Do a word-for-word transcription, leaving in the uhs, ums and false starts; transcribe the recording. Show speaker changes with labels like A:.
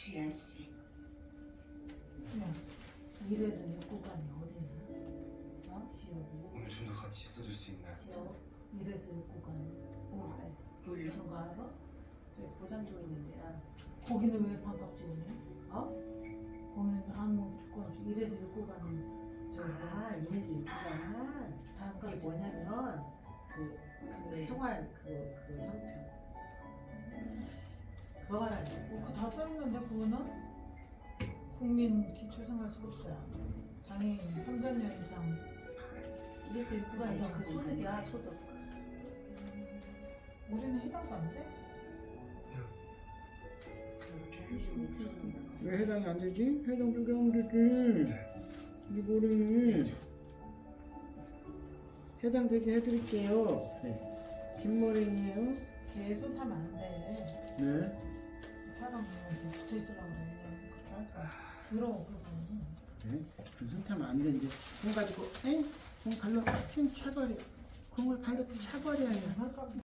A: 주연 씨.
B: 야, 이래서 육구간이 어디냐? 어? 지역이.
C: 오늘 좀 더 같이 있어줄 수 있나요?
B: 지역. 이래서 육구간이.
A: 오,
B: 그래.
A: 물론.
B: 그런 거 알아? 저기 보장도 있는데야. 거기는 왜 반값 찍으냐? 어? 거기는 아무 조건 없이 이래서 육구간은
D: 아, 이래서 육구간
B: 반값
D: 그게 뭐냐면 그, 그
A: 네.
D: 생활 그, 그 형편 그거 말하는
B: 뭐, 다 써있는데 그거는? 국민 기초생활수급자 장애인 삼천 년 이상
D: 이래서 육구간이
B: 맞아,
D: 그 소득이야 소득.
B: 우리는 해당도 안 돼?
A: 그렇게 한줌 들어놓는
E: 왜 해당이 안 되지? 해당 적용 되지. 이게 뭐래? 해당되게 해드릴게요. 네. 김머랭이에요.
B: 계속 하면 안 돼.
E: 네.
B: 사람은 이렇게 붙어 있으려고 그래. 그렇게 하지 마. 더러워 그러고는.
E: 네. 그손 타면 안 되는데. 공 가지고, 엥? 공 발로 핑 차버려. 공을 발로 차버려요.
B: 할까?